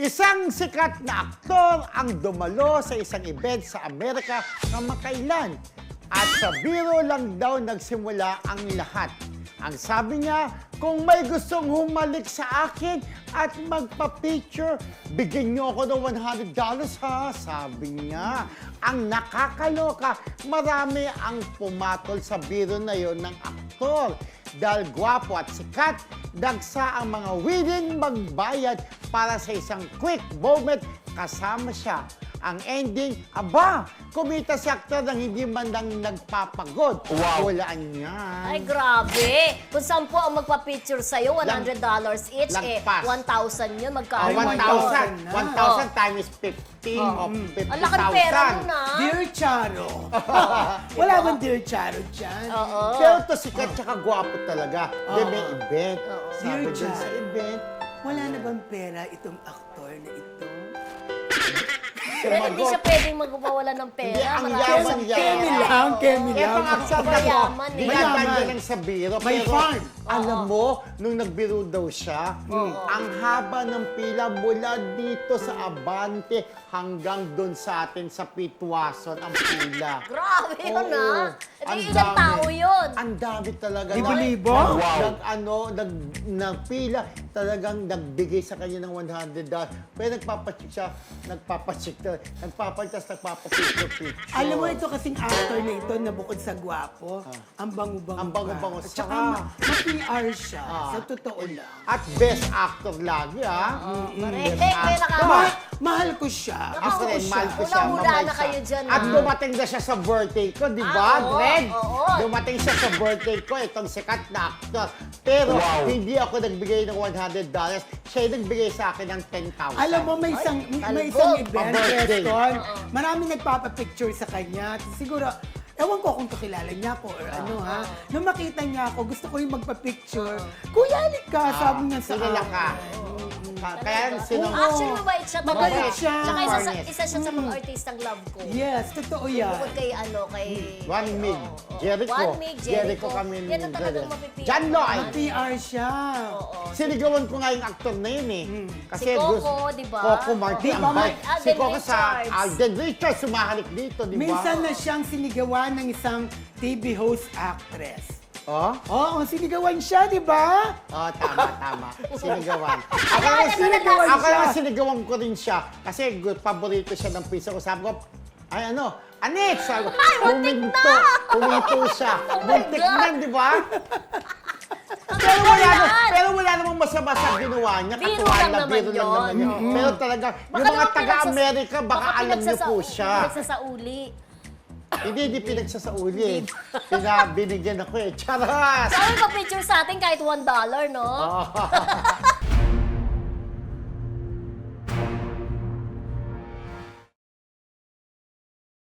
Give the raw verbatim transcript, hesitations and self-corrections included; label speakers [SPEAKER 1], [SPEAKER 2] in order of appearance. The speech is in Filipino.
[SPEAKER 1] Isang sikat na aktor ang dumalo sa isang event sa Amerika kamakailan. At sa biro lang daw nagsimula ang lahat. Ang sabi niya, kung may gustong humalik sa akin at magpa-picture, bigyan niyo ako ng one hundred dollars ha, sabi niya. Ang nakakaloka, marami ang pumatol sa biro na yon ng aktor. Dahil gwapo at sikat, dagsa ang mga willing magbayad para sa isang quick moment kasama siya. Ang ending, aba, kumita si aktor ng hindi man lang nagpapagod.
[SPEAKER 2] Wow.
[SPEAKER 1] Walaan niya.
[SPEAKER 3] Ay, grabe. Kung sampu ang magpa-picture sa'yo, one hundred dollars each, eh,
[SPEAKER 1] Lagpas.
[SPEAKER 3] one thousand yun,
[SPEAKER 1] Ah,
[SPEAKER 3] magkano?
[SPEAKER 1] one
[SPEAKER 3] yun?
[SPEAKER 1] thousand.
[SPEAKER 4] na.
[SPEAKER 1] one thousand times fifteen
[SPEAKER 3] Oh.
[SPEAKER 1] of fifty
[SPEAKER 3] Ang laking pera mo na.
[SPEAKER 4] Dear Charo. Wala bang Dear Charo dyan?
[SPEAKER 3] Oo.
[SPEAKER 1] Pero to sikat tsaka gwapo talaga. Di may event. Sabi
[SPEAKER 4] Dear
[SPEAKER 1] dun sa
[SPEAKER 4] Charo.
[SPEAKER 1] event,
[SPEAKER 4] Wala na bang pera itong aktor na ito?
[SPEAKER 3] Pero hindi siya pwedeng magpawala ng pera.
[SPEAKER 1] Hindi, ang
[SPEAKER 3] Marami
[SPEAKER 1] yaman
[SPEAKER 3] siyang
[SPEAKER 1] niya.
[SPEAKER 3] pera.
[SPEAKER 4] Kemi lang, Kemi lang.
[SPEAKER 1] etong aktor na to,
[SPEAKER 3] Mayaman eh.
[SPEAKER 1] dinadaan niya
[SPEAKER 4] Mayaman.
[SPEAKER 1] lang sa biro.
[SPEAKER 4] May
[SPEAKER 1] pero
[SPEAKER 4] farm.
[SPEAKER 1] Alam mo, nung nagbiro daw siya, ang haba ng pila mula dito sa Abante hanggang doon sa atin sa Pitwason ang pila.
[SPEAKER 3] Grabe yun,
[SPEAKER 1] Oo.
[SPEAKER 3] ah. Ito
[SPEAKER 1] Ang
[SPEAKER 3] yung ilang
[SPEAKER 1] dami.
[SPEAKER 3] tao yun.
[SPEAKER 1] Ang dami talaga.
[SPEAKER 4] Libo-libo?
[SPEAKER 1] Nag,
[SPEAKER 2] Wow.
[SPEAKER 1] nag, ano, nag, nagpila, talagang nagbigay sa kanya ng one hundred dollars. Pero nagpapacheck siya, nagpapacheck, nagpapantas, nagpapapicture-picture.
[SPEAKER 4] Alam mo, ito kasing actor na ito na bukod sa gwapo, ang bango-bango
[SPEAKER 1] Ang bango-bango.
[SPEAKER 4] pa. At saka
[SPEAKER 1] Saka-
[SPEAKER 4] ma- ma-P R siya,
[SPEAKER 1] Ah.
[SPEAKER 4] sa totoo lang.
[SPEAKER 1] At best actor lagi, ha?
[SPEAKER 3] Correct.
[SPEAKER 1] Best
[SPEAKER 3] May
[SPEAKER 1] actor.
[SPEAKER 3] nakaka-
[SPEAKER 4] Ma- mahal ko siya.
[SPEAKER 1] Ako
[SPEAKER 4] Gusto ko
[SPEAKER 1] rin,
[SPEAKER 4] siya.
[SPEAKER 1] mahal ko siya.
[SPEAKER 3] Unang-una
[SPEAKER 1] mamay
[SPEAKER 3] na
[SPEAKER 1] siya.
[SPEAKER 3] kayo dyan,
[SPEAKER 1] At
[SPEAKER 3] ha?
[SPEAKER 1] dumating na siya sa birthday ko, di ba,
[SPEAKER 3] Ah, oo,
[SPEAKER 1] Dred?
[SPEAKER 3] oo.
[SPEAKER 1] Dumating siya sa birthday ko, itong sikat na actor. Pero
[SPEAKER 2] Wow.
[SPEAKER 1] hindi ako nagbigay ng one hundred dollars. Siya yung nagbigay sa akin ng ten thousand.
[SPEAKER 4] Alam mo, may isang, may
[SPEAKER 3] talbog.
[SPEAKER 4] isang event,
[SPEAKER 1] Pa-birthday.
[SPEAKER 4] Preston, maraming nagpapapicture sa kanya. Siguro, ewan ko kung kakilala niya ako or ano ha. Nung makita niya ako, gusto ko yung magpa-picture. Kuya, halik ka, sabi niya sa
[SPEAKER 1] Sinila ka. Ah, Kaya sino...
[SPEAKER 3] Actually, mabait siya. talaga.
[SPEAKER 4] Mabait siya.
[SPEAKER 3] Tsaka isa, sa,
[SPEAKER 1] Fairness.
[SPEAKER 3] isa siya sa mga artistang love ko.
[SPEAKER 4] Yes, totoo yan.
[SPEAKER 3] Bukod kay ano, kay...
[SPEAKER 1] One Mig,
[SPEAKER 3] Oo, oo.
[SPEAKER 1] Jericho.
[SPEAKER 3] One Mig, Jericho.
[SPEAKER 1] kami ni
[SPEAKER 3] Yan ang talagang
[SPEAKER 1] Jericho.
[SPEAKER 3] mapipili.
[SPEAKER 1] John Lloyd.
[SPEAKER 4] Ma-P R siya.
[SPEAKER 3] Oo.
[SPEAKER 1] Sinigawan ko nga yung actor na yun eh. Kasi
[SPEAKER 3] Si Coco,
[SPEAKER 1] gusto-
[SPEAKER 3] di ba?
[SPEAKER 1] Coco Martin.
[SPEAKER 4] Di ba,
[SPEAKER 1] ang bait.
[SPEAKER 3] Alden
[SPEAKER 1] Si Coco sa
[SPEAKER 3] Richards.
[SPEAKER 1] Alden Richards, sumahalik dito, di ba?
[SPEAKER 4] Minsan na siyang sinigawan ng isang T V host actress.
[SPEAKER 1] Oh?
[SPEAKER 4] Oo, sinigawan siya, di ba?
[SPEAKER 1] Oh, tama, tama. Sinigawan. Ako
[SPEAKER 3] Akala
[SPEAKER 1] naman
[SPEAKER 3] ko
[SPEAKER 1] sinigawan,
[SPEAKER 4] na-
[SPEAKER 1] ako naman sinigawan ko rin siya. Kasi good, paborito siya ng pizza ko. Sabi ko, ay ano, Anet! Sabi ko,
[SPEAKER 3] Ay, muntik
[SPEAKER 1] huminto. Huminto siya.
[SPEAKER 3] Oh my
[SPEAKER 1] Muntik
[SPEAKER 3] God.
[SPEAKER 1] na, di ba? Pero wala,
[SPEAKER 3] yan.
[SPEAKER 1] na, pero wala namang masama sa ginawa niya.
[SPEAKER 3] Biro
[SPEAKER 1] Katuwa
[SPEAKER 3] lang
[SPEAKER 1] na,
[SPEAKER 3] naman
[SPEAKER 1] biro lang
[SPEAKER 3] yun.
[SPEAKER 1] naman yun. Pero talaga, yung
[SPEAKER 3] Baka
[SPEAKER 1] mga
[SPEAKER 3] naman
[SPEAKER 1] taga-Amerika, baka alam niyo po
[SPEAKER 3] pinagsasa-
[SPEAKER 1] siya.
[SPEAKER 3] Pinagsasauli.
[SPEAKER 1] Hindi, hindi pinagsasauli eh. Pinabinigyan ako eh. Charas!
[SPEAKER 3] Sabi pa picture sa atin kahit one dollar, no?
[SPEAKER 1] Oo.